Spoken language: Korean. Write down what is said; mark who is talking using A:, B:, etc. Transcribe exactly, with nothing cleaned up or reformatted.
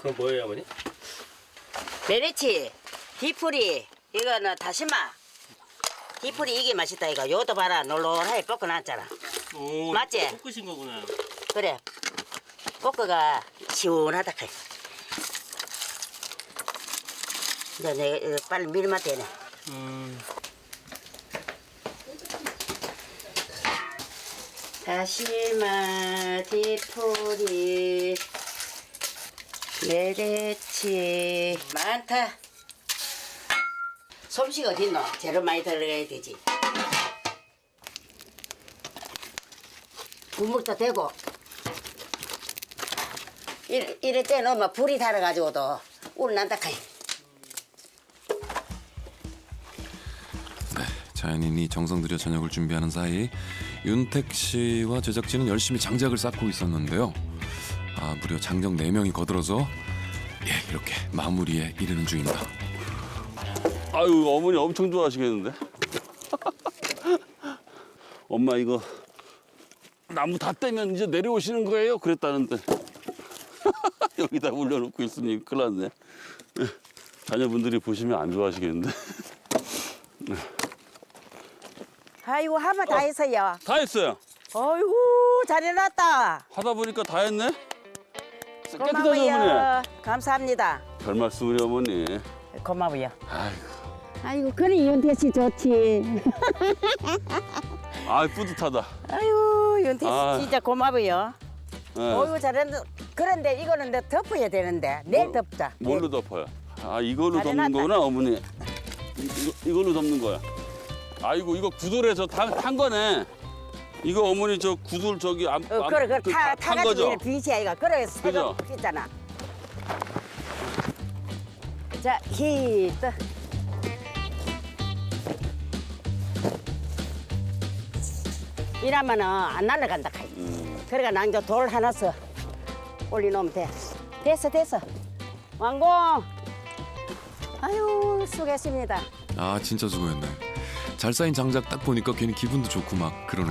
A: 그건 뭐예요, 어머니?
B: 메리치, 디프리, 이거는 다시마. 디프리 이게 맛있다 이거. 요것도 봐라, 놀놀하게 볶아놨잖아.
A: 오,
B: 맞지?
A: 볶으신 거구나.
B: 그래. 볶아가 시원하다 카이. 이제 내가 이거 빨리 밀면 되네.
A: 음.
B: 다시마, 디프리, 메리치 많다. 솜씨가 어딨노? 재료 많이 들어가야 되지. 국물도 되고 이래, 이럴 때 넣으면 불이 달아가지고도 울 난다 카이.
C: 네, 자연인이 정성 들여 저녁을 준비하는 사이 윤택 씨와 제작진은 열심히 장작을 쌓고 있었는데요. 아, 무려 장정 네 명이 거들어서 예, 이렇게 마무리에 이르는 중입니다.
D: 아유, 어머니 엄청 좋아하시겠는데? 엄마 이거 나무 다 떼면 이제 내려오시는 거예요? 그랬다는데 여기다 올려놓고 있으니 큰일 났네. 자녀분들이 보시면 안 좋아하시겠는데?
B: 아이고 하면 다 했어요.
D: 다 했어요.
B: 어이구 잘해놨다.
D: 하다 보니까 다 했네? 깨끗하죠,
B: 고마워요.
D: 어머니?
B: 감사합니다.
D: 별 말씀을요, 어머니.
B: 고마워요.
D: 아이고,
E: 아이고 그래 윤태 씨 좋지.
D: 아 뿌듯하다.
B: 아이고 윤태 씨
D: 아.
B: 진짜 고마워요.
D: 네.
B: 어이구 잘했는데 그런데 이거는 내 덮어야 되는데 내일
D: 뭐,
B: 덮자.
D: 뭘로 덮어요? 아, 이걸로
B: 잘
D: 덮는
B: 해놨다.
D: 거구나, 어머니. 이, 이거, 이걸로 덮는 거야. 아이고, 이거 구들에서 탄, 탄 거네. 이거 어머니 저 구들 저기 안,
B: 어,
D: 안-
B: 그래 그래
D: 그
B: 타
D: 탄
B: 타가지고
D: 거죠?
B: 이렇게 빛이야 이거. 그래 새로
D: 그죠?
B: 있잖아. 자 히트. 이러면은 안 날아간다 카이.
D: 음.
B: 그러니까 난 저 돌 하나 써 올려놓으면 돼. 됐어 됐어. 완공. 아유 수고했습니다.
C: 아, 진짜 수고했네. 잘 쌓인 장작 딱 보니까 괜히 기분도 좋고 막 그러네요.